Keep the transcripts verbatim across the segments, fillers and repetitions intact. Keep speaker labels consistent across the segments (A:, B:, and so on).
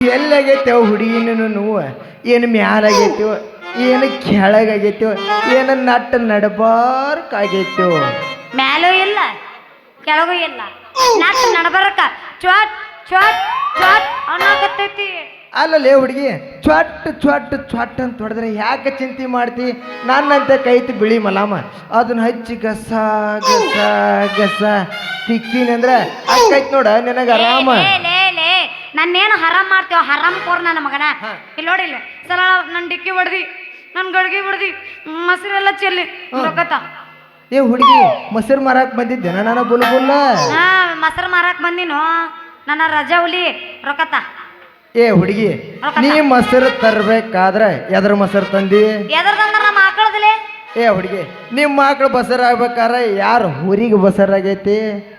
A: ಎಲ್ಲಾಗೈತೇವ ಹುಡುಗಿನೂ ನೋವು ಏನು ಮ್ಯಾಲಾಗೈತೇವ ಏನು ಕೆಳಗಾಗೈತೇವ ಏನು ನಟ್ಟ ನಡಬಾರ್ಕಾಗೈತೇವ
B: ಮ್ಯಾಲೂ ಇಲ್ಲ ಕೆಳಗೂ ಇಲ್ಲ ನಟ್ಟ ನಡಬಾರಕ ಚ್ವಾಟ್ ಚ್ವಾಟ್ ಚ್ವಾಟ್ ಅನ್ನಕತ್ತೈತಿ.
A: ಅಲ್ಲಲ್ಲೇ ಹುಡುಗಿ ಚ್ವಾಟ್ ಚ್ವಾಟ್ ಚ್ವಾಟ್ ಅಂತ ಹೊಡೆದ್ರೆ ಯಾಕೆ ಚಿಂತೆ ಮಾಡ್ತಿ? ನನ್ನಂತೆ ಕೈತಿ ಬಿಳಿ ಮಲಾಮ ಅದನ್ನ ಹಚ್ಚಿ ಗಸ ಗಸ ಗಸ ತಿಕ್ಕಿನಿ ಅಂದ್ರೆ ಅಕ್ಕೈತ್ ನೋಡ ನಿನಗೆ ಆರಾಮ.
B: ನನ್ನೇನು ಹರಾಮ್ ಮಾಡ್ತೇವ ಹರಾಮ್ ಕೋರ್ ನನ್ನ ಮಗನ. ಇಲ್ಲಿ ನೋಡಿಲ್ಲ ಸಲ ನನ್ನ ಡಿಕ್ಕಿ ಹೊಡ್ದಿ ನನ್ನ ಗಡ್ಗಿ ಹೊಡ್ದಿ ಮೊಸರೆಲ್ಲ ಚೆಲ್ಲಿ ರೊಕ್ಕತ.
A: ಏ ಹುಡುಗಿ ಮೊಸರು ಮಾರಾಕ್ ಬಂದಿದ್ದೆ ನಾನು ಬುಲ್ ಬುಲ್ಲ.
B: ಹಾ ಮೊಸರು ಮಾರಾಕ್ ಬಂದಿನು ನನ್ನ ರಜಾ ಹುಲಿ ರೊಕ್ಕತ.
A: ಏ ಹುಡುಗಿ ನೀ ಮೊಸರು ತರ್ಬೇಕಾದ್ರೆ ಎದ್ರ ಮೊಸರು ತಂದಿ?
B: ಎದ್ರದಂದ್ರ ನಮ್ಮ ಆಕಳದಲೇ.
A: ಏ ಹುಡುಗಿ ನಿಮ್ಮ ಮಕ್ಳು ಬಸರ್ ಆಗ್ಬೇಕಾದ್ರೆ ಯಾರು ಊರಿಗೆ ಬಸರಾಗೈತಿ?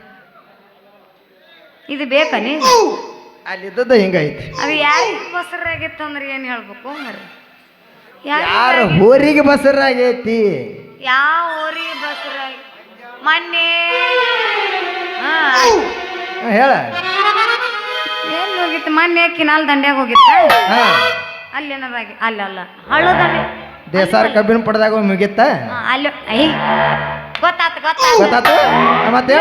B: ಇದು ಬೇಕಾ ನೀ
A: ಅಲ್ಲಿದ್ದದ ಹಿಂಗೈತಿ.
B: ಅದು ಯಾರಿಗೆ ಬಸರಾಗಿತ್ತು ಅಂದ್ರೆ ಏನು ಹೇಳ್ಬೇಕು ಮರಿ?
A: ಯಾರು ಊರಿಗೆ ಬಸರಾಗೈತಿ?
B: ಯಾವ ಊರಿಗೆ ಬಸರಾಗಿ ಮೊನ್ನೆ
A: ಹೇಳ
B: ಎಲ್ಲಿ ಹೋಗಿತ್ತು? ಮೊನ್ನೆ ಕಿನಾಲ್ ದಂಡ್ಯಾಗ ಹೋಗಿತ್ತ ಅಲ್ಲಿ ಏನಾರಾಗಿ ಅಲ್ಲ ಅಲ್ಲ ಹಳ್ಳು ದಂಡೆ
A: ದೇಸಾರ ಕಬ್ಬಿನ ಪಡೆದಾಗ ಮುಗಿತ್ತ
B: ಅಲ್ಲಿ. ಐ ಗೊತ್ತಾತು ಗೊತ್ತಾತು
A: ಗೊತ್ತಾತು ಮತ್ತೆ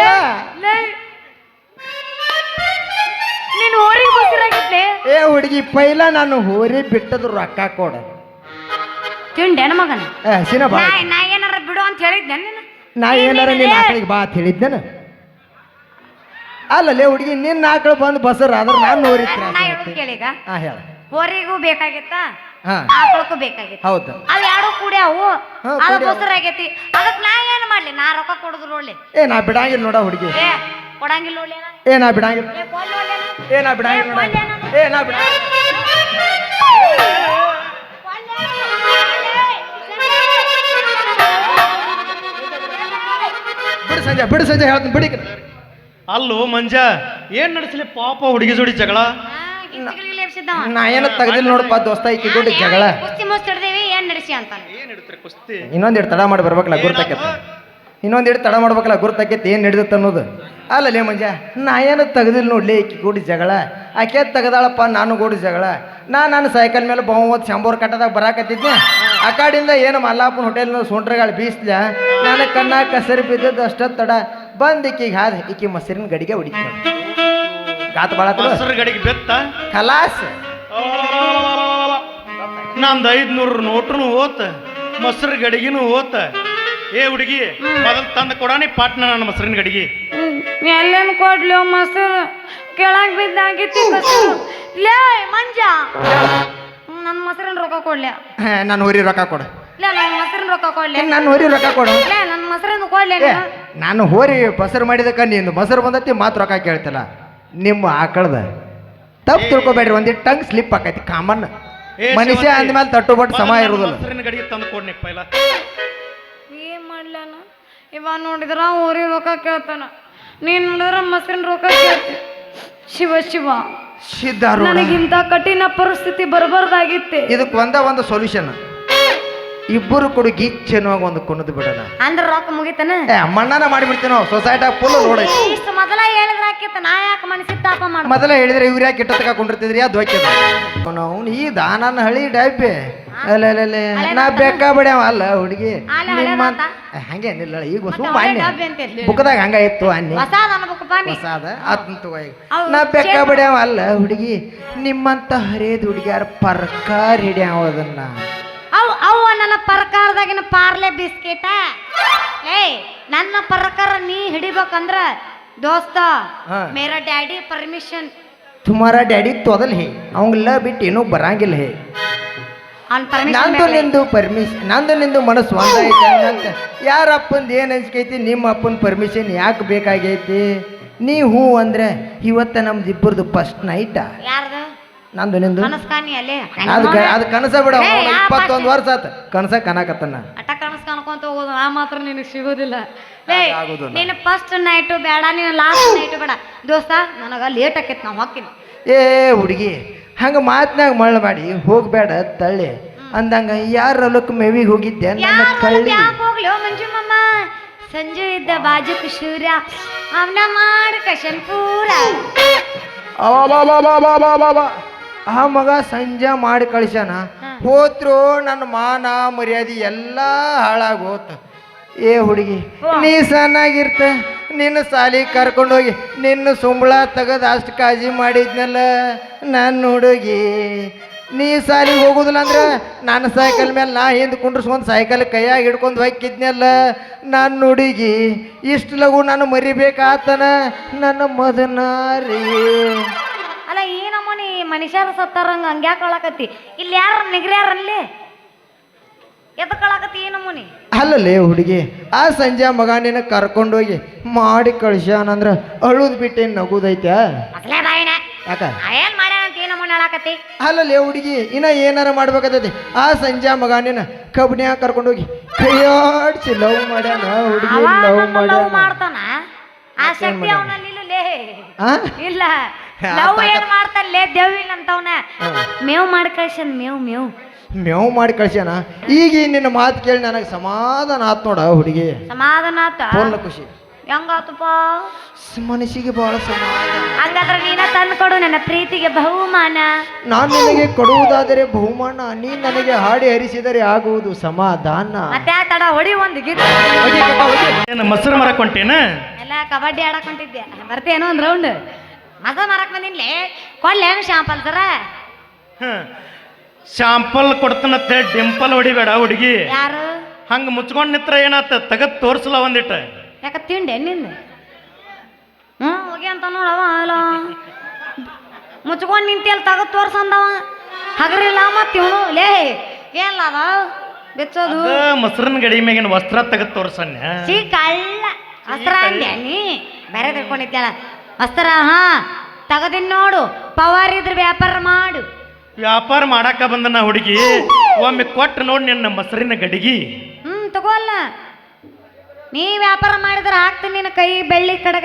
B: ನೀನು ಊರಿಗೆ ಬಸರಾಗಿತ್ಲೆ.
A: ಏ ಹುಡುಗಿ ಪೈಲ ನಾನು ಹೋರಿ ಬಿಟ್ಟದು ರೊಕ್ಕ ಕೊಡ
B: ತಿಂಡೇನ ಮಗನ.
A: ಸಿನ ಬಾ
B: ನಾ ಏನಾರ ಬಿಡು ಅಂತ ಹೇಳಿದ್ದೆ ನೀನು.
A: ನಾ ಏನಾರ ನಿನ್ನ ಆಕಳಿಗೆ ಬಾ ಅಂತ ಹೇಳಿದ್ದೇನ? ಅಲ್ಲಲ್ಲೇ ಹುಡುಗಿ ನಿನ್ನ ಆಕಳು ಬಂದು ಬಸರ್ ಆದ್ರೆ ನಾನು ಹೋರಿ
B: ನಾ ಹೇಳೋದು ಕೇಳೀಗ.
A: ಹಾ ಹೇಳ.
B: ಹೋರಿಗೂ ಬೇಕಾಗಿತ್ತ
A: ಹಾ
B: ಆಕಳಕ್ಕೂ ಬೇಕಾಗಿತ್ತು.
A: ಹೌದು
B: ಅವ್ ಎರಡು ಕೂಡ್ಯಾವು ಅದು ಬಸರಾಗೈತಿ. ಅದಕ್ ನಾ ಏನ್ ಮಾಡ್ಲಿ? ನಾ ರೊಕ್ಕ ಕೊಡುದು ನೋಡ್ಲಿ.
A: ಏ ನಾ ಬಿಡಂಗಿಲ್ಲ ನೋಡ ಹುಡುಗಿ.
B: ಏ ಕೊಡಂಗಿಲ್ಲ ನೋಡ್ಲಿ.
A: ಏ ನಾ ಬಿಡಂಗಿಲ್ಲ. ಏ ನಾ ಬಿಡಂಗಿಲ್ಲ ನೋಡ. ಏ ನಾ ಬಿಡಂಗಿಲ್ಲ. ಬಿಡು ಸಂಜೆ ಬಿಡು ಸಂಜೆ ಹೇಳ್ತೀನಿ ಬಿಡಿ.
C: ಅಲ್ಲೋ ಮಂಜ ಏನ್ ನಡೆಸಲಿ ಪಾಪ ಹುಡುಗಿ ಜೋಡಿ ಜಗಳ?
A: ನಾ ಏನು ತೆಗ್ದಿಲ್ಲ ನೋಡಪ್ಪ ದೋಸ್ತ ಈಕಿ ಜೋಡಿ ಜಗಳ.
B: ಕುಸ್ತಿ ಮುಚ್ಚಿಡ್ದೇವಿ ಏನ್ ನಡೆಸಿ ಅಂತ.
C: ಏನ್ ಹಿಡಿತ್ರಿ ಕುಸ್ತಿ?
A: ಇನ್ನೊಂದ್ ಇಟ್ಟು ತಡ ಮಾಡಿ ಬರ್ಬೇಕಲ್ಲ ಗುರ್ತಾಕೈತಿ. ಇನ್ನೊಂದ್ ಇಟ್ಟು ತಡ ಮಾಡ್ಬೇಕಲ್ಲ ಗುರ್ತಾಕೈತಿ ಏನ್ ಹಿಡಿದತ್ತ ಅನ್ನೋದು. ಅಲ್ಲಲ್ಲೇ ಮಂಜ ನಾ ಏನು ತೆಗ್ದಿಲ್ಲ ನೋಡ್ಲಿ ಈಕಿ ಗೂಡಿ ಜಗಳ. ಆಕೆ ತೆಗ್ದಾಳಪ್ಪ ನಾನು ಗೂಡಿ ಜಗಳ. ನಾ ನಾನು ಸೈಕಲ್ ಮೇಲೆ ಬಹುಮತ್ ಶಂಬೋರ್ ಕಟ್ಟದಾಗ ಬರಾಕತ್ತಿದ್ನೆ. ಆ ಕಾಡಿಂದ ಏನು ಮಲ್ಲಾಪುರ ಹೋಟೆಲ್ನ ಸುಂಟ್ರಗಳು ಬೀಸ್ಲ ನಾನು ಕಣ್ಣ ಕಸರಿ ಬಿದ್ದದ್ದು ಅಷ್ಟ ತಡ ಬಂದ್ ಈಕಿಗೆ ಹಾದ ಈಕಿ ಮೊಸರಿನ ಗಡಿಗೆ ಹೊಡಿತ ಗಾತ ಬಾಳ
C: ಮೊಸರು ಗಡಿಗೆ ಬೆತ್ತ
A: ಖಲಾಸ್.
C: ನಂದು ಐದ್ನೂರು ನೋಟ್ರು ಓತ ಮೊಸರು ಗಡಿಗಿನೂ ಓತ. ಏ ಹುಡುಗಿ ಮೊದಲು ತಂದು ಕೊಡಾನಿ ಪಾಟ್ನ ನನ್ನ ಮೊಸರಿನ ಗಡಿಗೆ.
B: ಎಲ್ಲೇನು ಕೊಡ್ಲಿ ಮೊಸರು ಕೆಳಗ್ ಬಿದ್ದಾಗಿತ್ತು ಲೇ ಮಂಜ. ನನ್ನ ಮೊಸರಿನ ರೊಕ್ಕ ಕೊಡ್ಲಿ.
A: ನಾನು ಹೊರಿ ರೊಕ್ಕ ಕೊಡ.
B: ನನ್ನ ಮೊಸರಿನ ರೊಕ್ಕ ಕೊಡ್ಲಿ.
A: ನಾನು ಹೊರಿ ರೊಕ್ಕ ಕೊಡು.
B: ನನ್ನ ಮೊಸರನ್ನು ಕೊಡ್ಲಿ.
A: ನಾನು ಹೋರಿ ಬಸರು ಮಾಡಿದಕ್ಕ ನೀನು ಮೊಸರು ಬಂದತಿ ಮಾತು ರೊಕ್ಕ ಕೇಳ್ತಿಲ್ಲ. ನಿಮ್ಮ ಆಕಳದ ತಪ್ಪು ತಿಳ್ಕೊಬೇಡ್ರಿ. ಒಂದಿಟ್ಟು ಟಂಗ್ ಸ್ಲಿಪ್ ಆಕೈತಿ ಕಾಮನ್. ಮನುಷ್ಯ ಅಂದ್ಮೇಲೆ ತಟ್ಟು ಬಟ್ ಸಮ ಇರುದಿಲ್ಲ.
C: ಮೊಸರಿನ ಗಡಿಗೆ ತಂದು ಕೊಡ್ನಿ ಪೈಲ.
B: ಏನ್ ಮಾಡ್ಲಾನ ಇವ ನೋಡಿದ್ರ ಊರಿ ರೊಕ್ಕ ಕೇಳ್ತಾನ, ನೀನ್ ನೋಡಿದ್ರ ಮೊಸರಿನ ರೊಕ್ಕ ಕೇಳ್ತಿ. ಶಿವ ಶಿವ
A: ಸಿದ್ಧಾರು
B: ನನಗಿಂತ ಕಠಿಣ ಪರಿಸ್ಥಿತಿ ಬರಬಾರ್ದಾಗಿತ್ತೆ.
A: ಇದಕ್ಕೆ ಒಂದ ಒಂದು ಸೊಲ್ಯೂಷನ್. ಇಬ್ಬರು ಕೂಡ ಗೀಚೆನುವಾಗ ಒಂದು ಕುಣದ್ ಬಿಡೋಣ
B: ಅಂದ್ರ ರೊಕ್ಕ ಮುಗಿತಾನ.
A: ಏ ಮಣ್ಣನ ಮಾಡಿಬಿಡ್ತೀವಿ ನಾವು ಸೊಸೈಟಿ ಫುಲ್ ನೋಡೈತಿ.
B: ಇಷ್ಟು ಮೊದಲ ಹೇಳಿದ್ರ ಆಕಿತ್ತ ನಾ ಯಾಕೆ ಮನಸ್ಸಿಗೆ ತಾಪ ಮಾಡ.
A: ಮೊದಲ ಹೇಳಿದ್ರೆ ಇವ್ರು ಯಾಕೆ ಇಟ್ಟ ತಗೊಂಡಿರ್ತಿದ್ರಿ ಅದು ಹೋಗ್ಯದ ನಾವು ಈ ದಾನನ ಹಳಿ ಡಬ್ಬೆ ಅಲ್ಲ ಅಲ್ಲ ನಾ ಬೇಕಾ ಬಿಡ್ಯಾವ ಅಲ್ಲ ಹುಡುಗಿ ಹಂಗೆ ನಿಲ್ಲ ಈಗ ಸುಮ್ಮನೆ ಬುಕ್ದಾಗ ಹಂಗ ಇತ್ತು ಅನ್ನಿ ಹೊಸಾದ ಅದಂತ ನಾ ಬೇಕಾ ಬಿಡ್ಯಾವ ಅಲ್ಲ ಹುಡುಗಿ ನಿಮ್ಮಂತ ಹರೇದ್ ಹುಡುಗಿಯಾರ ಪರ್ಕಾರ ಹಿಡ್ಯಾವ ಅದನ್ನ.
B: ಅವ್ ಅವ ನನ್ನ ಪರ್ಕಾರದಾಗಿನ ಪಾರ್ಲೆ ಬಿಸ್ಕೆಟ. ಏ ನನ್ನ ಪರ್ಕಾರ ನೀ ಹಿಡಿಬೇಕಂದ್ರ ದೋಸ್ತ ಮೇರಾ ಡ್ಯಾಡಿ ಪರ್ಮಿಷನ್.
A: ತುಮಾರ ಡ್ಯಾಡಿ ತೊದಲ್ ಹೇ ಅವಂಗೆಲ್ಲ ಬಿಟ್ಟು ಏನೂ ಬರಂಗಿಲ್ಲ ಹೇ. ನಂದು ನಿಂದು ಪರ್ಮಿಷನ್ ನಂದು ನಿಂದು ಮನಸ್ಸು ಒಂದೈತೆ ಅಂತ. ಯಾರ ಅಪ್ಪಂದು ಏನು ಅನ್ಸ್ಕೈತಿ ನಿಮ್ಮ ಅಪ್ಪನ ಪರ್ಮಿಷನ್ ಯಾಕೆ ಬೇಕಾಗೈತಿ? ನೀ ಹೂ ಅಂದ್ರೆ ಇವತ್ತ ನಮ್ದು ಇಬ್ಬರದು ಫಸ್ಟ್ ನೈಟ.
B: ಯಾರ್ದು?
A: ನಂದು ನಿಂದು. ಅದು ಅದು ಕನಸ ಬಿಡ. ಇಪ್ಪತ್ತೊಂದು ವರ್ಷ ಆತ ಕನಸ ಕನಾಕತ್ತನ.
B: ಅಟ ಕನಸ ಕನ್ಕೊಂತ ಹೋಗೋದು ಆ ಮಾತ್ರ ನಿನಗೆ ಸಿಗೋದಿಲ್ಲ. ನೀನು ಫಸ್ಟ್ ನೈಟು ಬೇಡ, ನೀನು ಲಾಸ್ಟ್ ನೈಟು ಬೇಡ ದೋಸ್ತ. ನನಗ ಲೇಟ್ ಆಕೈತಿ ನಾವು ಹಾಕಿನಿ.
A: ಏ ಹುಡುಗಿ ಹಂಗ ಮಾತ್ನಾಗ ಮಳ್ಳ ಮಾಡಿ ಹೋಗ್ಬೇಡ ತಳ್ಳಿ ಅಂದಂಗ ಯಾರ ಹೊಲಕ್ಕೆ ಮೇವಿಗೆ ಹೋಗಿದ್ದೆ ನನ್ನ ಕಳ್ಳಿ.
B: ಹೋಗ್ಲಿ ಮಂಜು ಮಮ್ಮ. ಸಂಜು ಇದ್ದ ಬಾಜುಕ್ ಶೂರ ಅವನ ಮಾಡ ಕಶನ್ ಪೂರ.
A: ಆ ಮಗ ಸಂಜೆ ಮಾಡಿ ಕಳಿಸ್ಯಾನ. ಹೋತ್ರು ನನ್ನ ಮಾನ ಮರ್ಯಾದೆ ಎಲ್ಲ ಹಾಳಾಗಿ ಹೋತ. ಏ ಹುಡುಗಿ, ನೀ ಸಣ್ಣಾಗಿರ್ತ, ನಿನ್ನ ಸಾಲಿ ಕರ್ಕೊಂಡೋಗಿ ನಿನ್ನ ಸುಂಬಳ ತೆಗೆದು ಅಷ್ಟು ಕಾಳಜಿ ಮಾಡಿದ್ನಲ್ಲ ನನ್ನ ಹುಡುಗಿ. ನೀ ಸಾಲಿಗೆ ಹೋಗೋದಿಲ್ಲ ಅಂದ್ರೆ ನನ್ನ ಸೈಕಲ್ ಮೇಲೆ ನಾ ಹಿಂದೆ ಕುಂಡ್ರಿಸ್ಕೊಂಡು ಸೈಕಲ್ ಕೈಯಾಗಿ ಹಿಡ್ಕೊಂಡು ಹೋಗಿದ್ನಲ್ಲ ನನ್ನ ಹುಡುಗಿ. ಇಷ್ಟು ಲಗು ನಾನು ಮರಿಬೇಕಾತನ ನನ್ನ ಮದನಾರಿ.
B: ಅಲ್ಲ ಏನಮ್ಮನಿ ಮನುಷ್ಯರ ಸತ್ತಾರಂಗ ಹಂಗ್ಯಾಕೆ ಕಳಕತ್ತಿ? ಇಲ್ಲಿ ಯಾರು ನಿಗ್ರ್ಯಾರಲ್ಲಿ ಎದ ಕಳಕತ್ತಿ ಏನಮ್ಮನಿ?
A: ಅಲ್ಲಲ್ಲೇ ಹುಡುಗಿ, ಆ ಸಂಜೆ ಮಗ ನಿನ್ನ ಕರ್ಕೊಂಡೋಗಿ ಮಾಡಿ ಕಳ್ಸ್ಯಾನಂದ್ರೆ ಅಳುದ್ ಬಿಟ್ಟೇನು ನಗುದೈತ್ಯಾ?
B: ಅಸಲೇ ಬಾಯಿನ
A: ಯಾಕ
B: ಏನ್ ಮಾಡ್ಯಾನ ಅಂತ ಏನಮ್ಮನಿ ಹೇಳಾಕತ್ತಿ?
A: ಅಲ್ಲಲ್ಲೇ ಹುಡುಗಿ, ಇನ್ನ ಏನಾರ ಮಾಡ್ಬೇಕಾಗ್ತೈತಿ. ಆ ಸಂಜೆ ಮಗ ನಿನ್ನ ಕಬ್ನ್ಯಾಗ ಕರ್ಕೊಂಡೋಗಿ ಕೈಯಾಡ್ಸಿ ಲವ್ ಮಾಡ್ಯಾನ ಹುಡುಗಿ, ಲವ್
B: ಲವ್
A: ಮಾಡ್ಯಾನ.
B: ಮಾಡ್ತಾನ ಆ ಶಕ್ತಿ ಅವನಲ್ಲಿ ಇಲ್ಲಲೇ
A: ಆ?
B: ಇಲ್ಲ. ಲವ್ ಏನ್ ಮಾಡ್ತಾನಲೇ ದೇವಿಲ್ಲ ಅಂತವನ ಮೇವ್ ಮಾಡಿ ಕಳ್ಸನ್ ಮೇವ್ ಮೇವ್
A: ಮೇವ್ ಮಾಡಿ ಕಳ್ಸ್ಯಾನ. ಈಗ ನಿನ್ನ ಮಾತು ಕೇಳಿ ನನಗೆ ಸಮಾಧಾನ ಆತ್ ನೋಡ ಹುಡುಗಿ.
B: ಸಮಾಧಾನ ಆತ?
A: ಫೋನ್ ಖುಷಿ
B: ಹೆಂಗಾತಪ್ಪ
A: ಮನಸ್ಸಿಗೆ ಬಹಳ ಸಮಾಧಾನ.
B: ಹಂಗಾದ್ರೆ ನೀನ ತಂದು ಕೊಡು ನನ್ನ ಪ್ರೀತಿಗೆ ಬಹುಮಾನ.
A: ನಾನು ನಿನಗೆ ಕೊಡುವುದಾದರೆ ಬಹುಮಾನ, ನೀ ನನಗೆ ಹಾಡಿ ಹರಿಸಿದರೆ ಆಗುವುದು ಸಮಾಧಾನ.
B: ಮತ್ತೆ ಆ ತಡ ಹೊಡಿ ಒಂದು ಗೀತ.
C: ಏನು ಮೊಸರು ಮರಕ್ ಹೊಂಟೇನ?
B: ಎಲ್ಲ ಕಬಡ್ಡಿ ಆಡಕ್ ಹೊಂಟಿದ್ದೆ. ಬರ್ತೇನೋ ಒಂದ್ ರೌಂಡ್ ಮಜ ಮಾರಕ್ ಬಂದಿನ್ಲಿ. ಕೊಡ್ಲೇನು ಶಾಂಪಲ್ ಸರ?
C: ಶಾಂಪಲ್ ಕೊಡ್ತಾನತ್ತೆ ಡಿಂಪಲ್ ಹೊಡಿಬೇಡ ಹುಡುಗಿ.
B: ಯಾರು
C: ಹಂಗ ಮುಚ್ಕೊಂಡ್ ನಿತ್ರ ಏನಾತ ತಗದ್ ತೋರ್ಸಲ ಒಂದಿಟ್ಟ.
B: ಯಾಕ ತಿಂಡೆ ನಿಂದ? ಹ್ಞೂ ಹೋಗಿ ಅಂತ ನೋಡವ ಅಲ್ಲ ಮುಚ್ಕೊಂಡು ನಿಂತಿ ಅಲ್ಲಿ ತಗದ್ ತೋರ್ಸಂದವ ಹಗರಿಲ್ಲ ಮತ್ತೆ ಇವನು ಲೇ ಏನ್ಲ ಅದ ಬೆಚ್ಚೋದು
C: ಮೊಸರಿನ ಗಡಿ ಮ್ಯಾಗಿನ ವಸ್ತ್ರ ತಗದ್ ತೋರ್ಸನ್ಯ.
B: ಸೀ ಕಳ್ಳ ವಸ್ತ್ರ ಅಂದ್ಯಾ ನೀ? ಬೇರೆ ತಿಳ್ಕೊಂಡಿದ್ಯಾಳ ವಸ್ತ್ರ. ಹಾ ತಗದಿನ್ ನೋಡು, ಪವರ್ ಇದ್ರ ವ್ಯಾಪಾರ ಮಾಡು.
C: ವ್ಯಾಪಾರ ಮಾಡಾಕ ಬಂದನ ಹುಡುಗಿ, ಒಮ್ಮೆ ಕೊಟ್ಟು ನೋಡಿ ನಿನ್ನ ಮೊಸರಿನ ಗಡಿಗಿ.
B: ಹ್ಮ್ ತಗೋಲ್ಲ, ನೀ ವ್ಯಾಪಾರ ಮಾಡಿದ್ರೆ ಹಾಕ್ತೀನಿ ನಿನ್ನ ಕೈ ಬೆಳ್ಳಿ ಕಡೆಗ.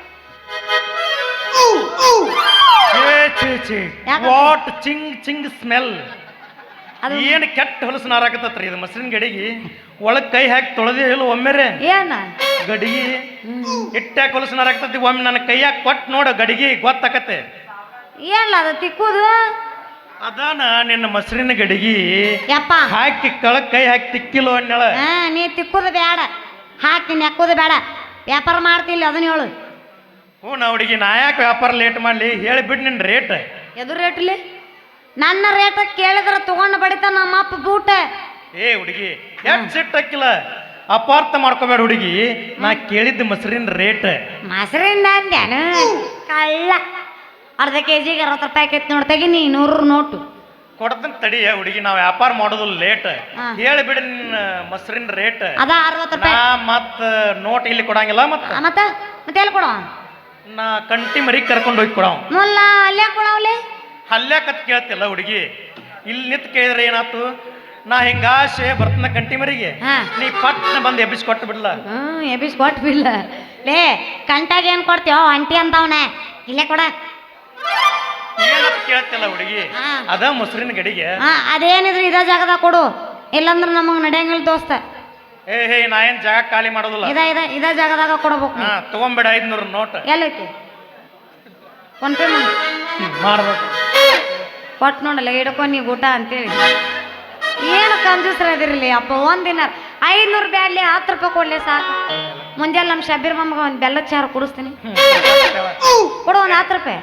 C: ವಾಟ್ ಚಿಂಗ್ ಚಿಂಗ್ ಸ್ಮೆಲ್. ಏನು ಕೆಟ್ಟ ಹೊಲಸು ನಾರಾಕತ್ತತ್ರಿ ಇದು ಮೊಸರಿನ ಗಡಿಗಿ. ಒಳಗ್ ಕೈ ಹಾಕಿ ತೊಳೆದೇ ಇಲ್ಲ ಒಮ್ಮೆರೆ
B: ಏನ
C: ಗಡಿಗಿ ಇಟ್ಟಾಕ ಹೊಲಸು ನಾರಾಕತ್ತಿ. ಒಮ್ಮೆ ನನ್ನ ಕೈಯಾಗ ಕೊಟ್ಟು ನೋಡು ಗಡಿಗಿ ಗೊತ್ತಾಕತ್ತೆ.
B: ಏನ್ಲ ಅದು ತಿಕ್ಕುದು?
C: ಅದಾನ ನಿನ್ನ ಮೊಸರಿನ ಗಡಿಗಿ.
B: ಯಪ್ಪ
C: ಹಾಕಿ ಕಳಕ್ ಕೈ ಹಾಕಿ ತಿಕ್ಕಿಲ್ಲ ಅನ್ನಳ.
B: ಹಾ ನೀ ತಿಕ್ಕುದು ಬೇಡ, ಹಾಕ್ತೀನಿ ಹಾಕೋದು ಬೇಡ, ವ್ಯಾಪಾರ ಮಾಡ್ತಿಲ್ಲ ಅದನ್ನ ಹೇಳು.
C: ಹ್ಞೂ ನಾ ಹುಡುಗಿ, ನಾ ಯಾಕೆ ವ್ಯಾಪಾರ ಲೇಟ್ ಮಾಡ್ಲಿ ಹೇಳಿ ಬಿಡ್ ನಿನ್ನ ರೇಟ್.
B: ಎದು ರೇಟ್ಲಿ? ನನ್ನ ರೇಟ್ ಕೇಳಿದ್ರೆ ತಗೊಂಡು ಬಡಿತ ನಮ್ಮ ಅಪ್ಪ ಬೂಟ.
C: ಏ ಹುಡುಗಿ ಎಷ್ಟು ಸಿಟ್ಟು ಹಾಕಿಲ್ಲ, ಅಪಾರ್ಥ ಮಾಡ್ಕೋಬೇಡ ಹುಡುಗಿ. ನಾ ಕೇಳಿದ್ದ ಮೊಸರಿನ ರೇಟ್.
B: ಮೊಸರಿಂದ ಅಂದ್ಯಾನು ಕಳ್ಳ. ಅರ್ಧ ಕೆ ಜಿಗೆ ಅರವತ್ತು ರೂಪಾಯಿ ಆಕೈತಿ ನೋಡಿ, ತೆಗಿನಿ ನೂರು ನೋಟು
C: ಕೊಡ್ತಂತ ತಡಿ ಹುಡುಗಿ. ನಾವು ವ್ಯಾಪಾರ ಮಾಡೋದು ಲೇಟ್. ಹೇಳಿಬಿಡಿ ನಿನ್ನ ಮೊಸರಿನ ರೇಟ್.
B: ಅದ ಅರವತ್ತು ರೂಪಾಯಿ.
C: ಮತ್ತ ನೋಟ್ ಇಲ್ಲಿ ಕೊಡಂಗಿಲ್ಲ. ಮತ್ತ
B: ಮತ್ತ ಮತ್ತೆ ಎಲ್ಲಿ ಕೊಡವ?
C: ನಾ ಕಂಟಿ ಮರಿ ಕರ್ಕೊಂಡು ಹೋಗಿ ಕೊಡವ.
B: ಮುಲ್ಲ ಅಲ್ಲೇ ಕೊಡವಲೆ
C: ಅಲ್ಲೇ ಕತ್ ಕೇಳ್ತಿಲ್ಲ ಹುಡುಗಿ. ಇಲ್ಲಿ ನಿಂತು ಕೇಳಿದ್ರೆ ಏನಾತು? ನಾ ಹಿಂಗಾಶೆ ಬರ್ತನ ಕಂಟಿ ಮರಿಗೆ, ನೀ ಪಟ್ನ ಬಂದು ಎಬ್ಬಿಸಿ ಕೊಟ್ಟು ಬಿಡ್ಲ.
B: ಹ್ಮ್ ಎಬ್ಬಿಸಿ ಕೊಟ್ಟು ಬಿಡ್ಲ. ಲೇ ಕಂಟಾಗ ಏನ್ ಕೊಡ್ತೀವ ಅಂಟಿ ಅಂತವನೆ, ಇಲ್ಲೇ ಕೊಡ.
C: ಏನಂತ ಕೇಳ್ತಿಲ್ಲ ಹುಡುಗಿ, ಅದ ಮೊಸರಿನ ಗಡಿಗೆ.
B: ಹಾ ಅದೇನಿದ್ರು ಇದ ಜಾಗದಾಗ ಕೊಡು, ಇಲ್ಲಂದ್ರ ನಮಗ್ ನಡೆಯಂಗಿಲ್ಲ ದೋಸ್ತ.
C: ಏ ಹೇ ನಾ ಏನ್ ಜಾಗ ಖಾಲಿ ಮಾಡೋದಿಲ್ಲ.
B: ಇದ ಇದ ಇದ ಜಾಗದಾಗ ಕೊಡ್ಬೇಕು.
C: ಹಾ ತಗೊಂಬೇಡ ಐದ್ನೂರು ನೋಟ್.
B: ಎಲ್ಲೈತಿ? ಫೋನ್ ಪೇ ಮಾಡಿ
C: ಮಾಡ್ಬೇಕು.
B: ಕೊಟ್ಟು ನೋಡಲ್ಲ ಹಿಡ್ಕೊ ನೀ ಊಟ ಅಂತೇಳಿ. ಏನು ಕಂಜೂಸ್ರ ಅದಿರಲಿ ಅಪ್ಪ. ಒಂದಿನ ಐದ್ನೂರು ಬ್ಯಾಡ್ಲಿ ಹತ್ತು ರೂಪಾಯಿ ಕೊಡ್ಲಿ ಸಾಕು. ಮುಂಜಾನೆ ನಮ್ಮ ಶಬೀರ್ ಮಮ್ಮಗೆ ಒಂದು ಬೆಲ್ಲದ ಚಾರು ಕುಡಿಸ್ತೀನಿ, ಕೊಡು ಒಂದು ಹತ್ತು ರೂಪಾಯಿ.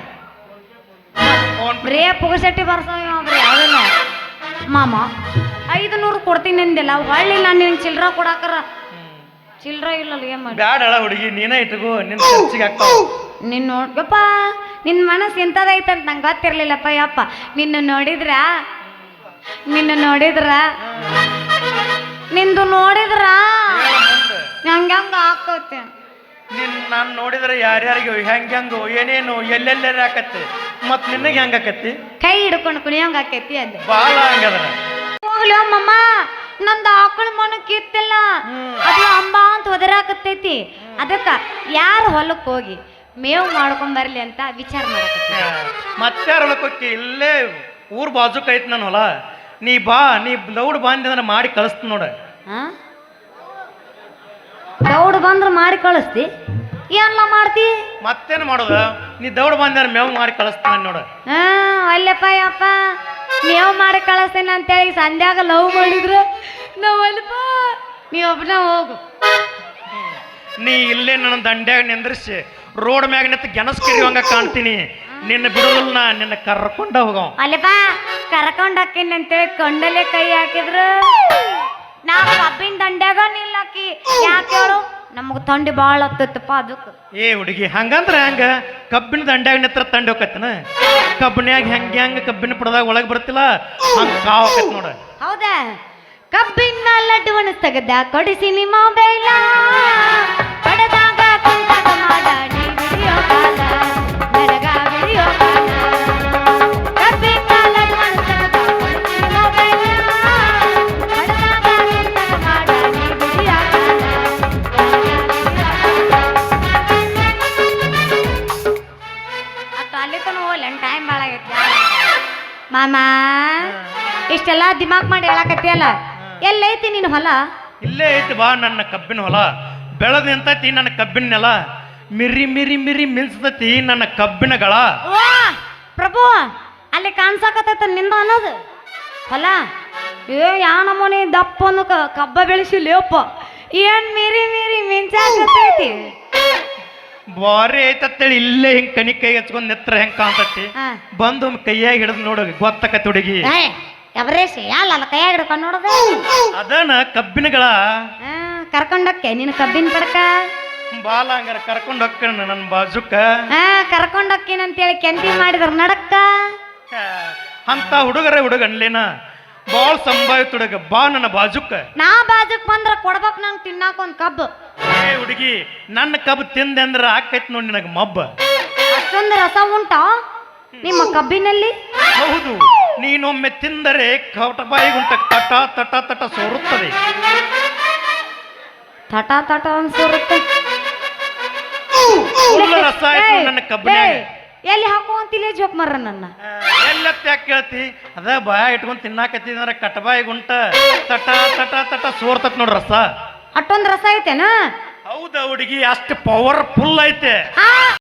B: ಬರೇ ಪುಗಸಟ್ಟಿ ಬರ್ಸೋ ಬರೀ ಯಾವ್ದಿಲ್ಲ ಮಾಮ. ಐದು ನೂರು ಕೊಡ್ತೀನಿ ಅಂದಿಲ್ಲ, ಹೊಳ್ಳಿ ನಾನು ನಿನ್ ಚಿಲ್ರ ಕೊಡಾಕರ ಚಿಲ್ರ ಇಲ್ಲಲ್ಲ ಏನ್ ಮಾಡಿ.
C: ಬ್ಯಾಡಳ ಹುಡುಗಿ, ನೀನೇ ಇಟ್ಕೋ, ನಿನ್ ಖರ್ಚಿಗೆ ಆಗ್ತಾವ.
B: ನಿನ್ನ ನೋಡ್ಯಪ್ಪ, ನಿನ್ನ ಮನಸ್ಸು ಇಂಥದೈತಂತ ನಂಗೆ ಗೊತ್ತಿರ್ಲಿಲ್ಲಪ್ಪ. ಯಪ್ಪ ನಿನ್ನ ನೋಡಿದ್ರ ನಿನ್ನ ನೋಡಿದ್ರ ನಿಂದು ನೋಡಿದ್ರ ನಂಗೆ ಹಂಗ ಹಾಕೋತೆ.
C: ನಿನ್ ನಾನು ನೋಡಿದ್ರೆ ಯಾರ್ಯಾರಿಗೂ ಹೆಂಗೆ ಹೆಂಗು ಏನೇನು ಎಲ್ಲೆಲ್ಲಾರ ಆಕತ್ತೆ, ಮತ್ ನಿನಗೆ ಹೆಂಗ ಆಕತ್ತಿ?
B: ಕೈ ಹಿಡ್ಕೊಂಡು ಕುಣಿಯಂಗ ಆಕೈತಿ ಅಂದೆ.
C: ಬಾಳ ಹಂಗದ್ರ.
B: ಹೋಗ್ಲಿ ಅಮ್ಮಮ್ಮ, ನಂದು ಆಕಳ ಮನ ಕಿತ್ತಿಲ್ಲ, ಅದು ಅಂಬ ಅಂತ ಒದರಾಕತ್ತೈತಿ. ಅದಕ್ಕ ಯಾರು ಹೊಲಕ್ಕೆ ಹೋಗಿ ಮೇವು ಮಾಡ್ಕೊಂಡ್ ಬರ್ಲಿ ಅಂತ ವಿಚಾರ ಮಾಡಕತ್ತಿ.
C: ಮತ್ತಾರ ಹೊಲಕ್ಕೆ ಇಲ್ಲೇ ಊರ್ ಬಾಜುಕ್ ಐತಿ ನನ್ನ ಹೊಲ. ನೀ ಬಾ, ನೀ ದೌಡ್ ಬಂದಿ ಅಂದ್ರೆ ಮಾಡಿ ಕಳಿಸ್ತ ನೋಡ.
B: ದೌಡ್ ಬಂದ್ರ ಮಾಡಿ ಕಳಿಸ್ತಿ? ಏನ್ಲ ಮಾಡ್ತಿ
C: ಮತ್ತೇನು ಮಾಡೋದ ನೀ ದೌಡ್ ಬಂದಾರ ಮೇವ್ ಮಾಡಿ ಕಳಿಸ್ತಾನೆ ನೋಡ
B: ಹಾ ಅಲ್ಲಪ್ಪ ಯಪ್ಪ ನೀವು ಮಾಡಿ ಕಳಿಸ್ತೇನೆ ಅಂತೇಳಿ ಸಂಧ್ಯಾಗ ಲವ್ ಮಾಡಿದ್ರು ನಾವು ಅಲ್ಪ ನೀವು ಒಬ್ಬನ ಹೋಗು
C: ನೀ ಇಲ್ಲೇ ನನ್ನ ದಂಡ್ಯಾಗ ನಿಂದ್ರಿಸಿ ರೋಡ್ ಮ್ಯಾಗ ನಿಂತು ಗೆನಸ್ ಕಿರಿಯುವಂಗ ಕಾಣ್ತೀನಿ ನಿನ್ನ ಬಿಡುದಿಲ್ಲ ನಾ ನಿನ್ನ ಕರ್ಕೊಂಡ ಹೋಗವ
B: ಅಲ್ಲಪ್ಪ ಕರ್ಕೊಂಡ್ ಹಾಕಿನಿ ಅಂತೇಳಿ ಕೊಂಡಲ್ಲೇ ಕೈ ಹಾಕಿದ್ರು ನಾ ಕಬ್ಬಿನ ದಂಡ್ಯಾಗ ನಿಲ್ಲಾಕಿ ಯಾಕೆ ಹೇಳು ನಮಗ್ ತಂಡಿ ಬಾಳ ಹತ್ತತ್ತಪ್ಪ ಅದಕ್ಕೆ
C: ಏ ಹುಡುಗಿ ಹಂಗಂದ್ರ ಹಂಗ ಕಬ್ಬಿನ ದಂಡ್ಯಾಗ ನಿತ್ರ ತಂಡಿ ಹೋಗತ್ತನ ಕಬ್ಬಿನ್ಯಾಗ ಹೆಂಗ ಹೆಂಗ ಕಬ್ಬಿನ ಪಡದಾಗ ಒಳಗೆ ಬರ್ತಿಲ್ಲ ಹಂಗ ಕಾವ್ ಆಕತ್ ನೋಡ
B: ಹೌದಾ ಕಬ್ಬಿನ ಲಡ್ಡುವನ್ನು ತೆಗೆದ ಕೊಡಿಸಿನಿ ಮೊಬೈಲ ಪಡೆದಾಗ ಕುಂತಾಗ ಮಾಡಾಡಿ ವಿಡಿಯೋ ಕಾಲ ನನಗ ವಿಡಿಯೋ ಕಾಲ ಕಬ್ಬಿನ ಲಡ್ಡುವನ್ನು ತೆಗೆದ ಕೊಡಿಸಿನಿ ಮೊಬೈಲ ಪಡೆದಾಗ ಕುಂತಾಗ ಮಾಡಾಡಿ ವಿಡಿಯೋ ಕಾಲ ಅತ್ತ ಅಲ್ಲಿ ತನ ಹೋಗ್ಲಿ ಟೈಮ್ ಭಾಳ ಆಗೈತಿ ಮಾಮ ಇಷ್ಟೆಲ್ಲ ದಿಮಾಕ್ ಮಾಡಿ ಹೇಳಕತ್ತಿಯಲ್ಲ ಎಲ್ಲೈತಿ ನೀನು ಹೊಲ
C: ಇಲ್ಲೇ ಐತಿ ಬಾ ನನ್ನ ಕಬ್ಬಿನ ಹೊಲ ಬೆಳೆದ ನಿಂತೈತಿ ನನ್ನ ಕಬ್ಬಿನ ನೆಲ ಮಿರಿ ಮಿರಿ ಮಿರಿ ಮಿನ್ಸ್ತತಿ ನನ್ನ ಕಬ್ಬಿನ ಗಳ
B: ವಾ ಪ್ರಭು ಅಲ್ಲಿ ಕಾಣ್ಸಾಕತ್ತೈತ ನಿಂದ ಅನ್ನೋದು ಹೊಲ ಏ ಯಾ ನಮೂನಿ ದಪ್ಪ ಅನ್ನು ಕಬ್ಬ ಬೆಳೆಸಿ ಲೇಪ ಏನ್ ಮೀರಿ ಮೀರಿ ಮಿಂಚಾಕತ್ತೈತಿ
C: ಬಾರಿ ಐತತ್ತೇಳಿ ಇಲ್ಲೇ ಹಿಂಗ್ ಕನಿ ಕೈ ಹಚ್ಕೊಂಡ್ ನೆತ್ರ ಹೆಂಗ್ ಕಾಣ್ತತಿ
B: ಹಾ.
C: ಬಂದು ಕೈಯಾಗ ಹಿಡಿದು ನೋಡು ಗೊತ್ತಕತಿ ಹುಡುಗಿ
B: ಎವರೇಶ್ ಯಾಲ ಕೈಯಾಗ ಹಿಡ್ಕೊಂಡು ನೋಡೋದು
C: ಅದನ್ನ ಕಬ್ಬಿನಗಳ
B: ಕರ್ಕೊಂಡೋಕ್ಕೆ ನೀನು ಕಬ್ಬಿನ ಪಡ್ಕ
C: ಬಾಲ ಹಂಗಾರ ಕರ್ಕೊಂಡು ಹೋಗ್ಕಣ ನನ್ನ ಬಾಜುಕ
B: ಹಾ ಕರ್ಕೊಂಡೋಕ್ಕೇನಂತೇಳಿ ಕೆಂತಿ ಮಾಡಿದ್ರ ನಡಕ್ಕ
C: ಅಂತ ಹುಡುಗರ ಹುಡುಗ ಅನ್ಲೇನ ಬಾಳ್ ಸಂಭಾವಿತ ಹುಡುಗ ಬಾ ನನ್ನ ಬಾಜುಕ
B: ನಾ ಬಾಜುಕ್ ಬಂದ್ರ ಕೊಡ್ಬೇಕು ನಂಗೆ ತಿನ್ನಾಕ ಒಂದ್ ಕಬ್ಬು
C: ಏ ಹುಡುಗಿ ನನ್ನ ಕಬ್ಬು ತಿಂದೆ ಅಂದ್ರ ಆಕೈತಿ ನೋಡಿ ನಿನಗ ಮಬ್ಬ
B: ಅಷ್ಟೊಂದು ರಸ ಉಂಟಾ ನಿಮ್ಮ ಕಬ್ಬಿನಲ್ಲಿ
C: ಹೌದು ನೀನೊಮ್ಮೆ ತಿಂದರೆ ಕಟಬಾಯಿಗುಂಟ ತಟ ತಟ ತಟ ಸೋರುತ್ತದೆ
B: ತಟ ತಟ ಅನ್ಸೋರುತ್ತೆ
C: ಫುಲ್ ರಸ ಆಯ್ತು ನನ್ನ ಕಬ್ಬಿನ್ಯಾಗ
B: ಎಲ್ಲಿ ಹಾಕುವಂತಿಲ್ಲ ಜೋಕ್ ಮರ್ರ ನನ್ನ
C: ಎಲ್ಲತ್ತ ಯಾಕೆ ಕೇಳ್ತಿ ಅದ ಬಾಯ ಇಟ್ಕೊಂಡ್ ತಿನ್ನಾಕತ್ತಿದ್ರ ಕಟಬಾಯಿಗುಂಟ ತಟ ತಟ ತಟ ಸೋರ್ತತ್ ನೋಡ್ರ ರಸ
B: ಅಷ್ಟೊಂದು ರಸ ಐತೆನಾ
C: ಹೌದಾ ಹುಡುಗಿ ಅಷ್ಟು ಪವರ್ಫುಲ್ ಐತೆ
B: ಆ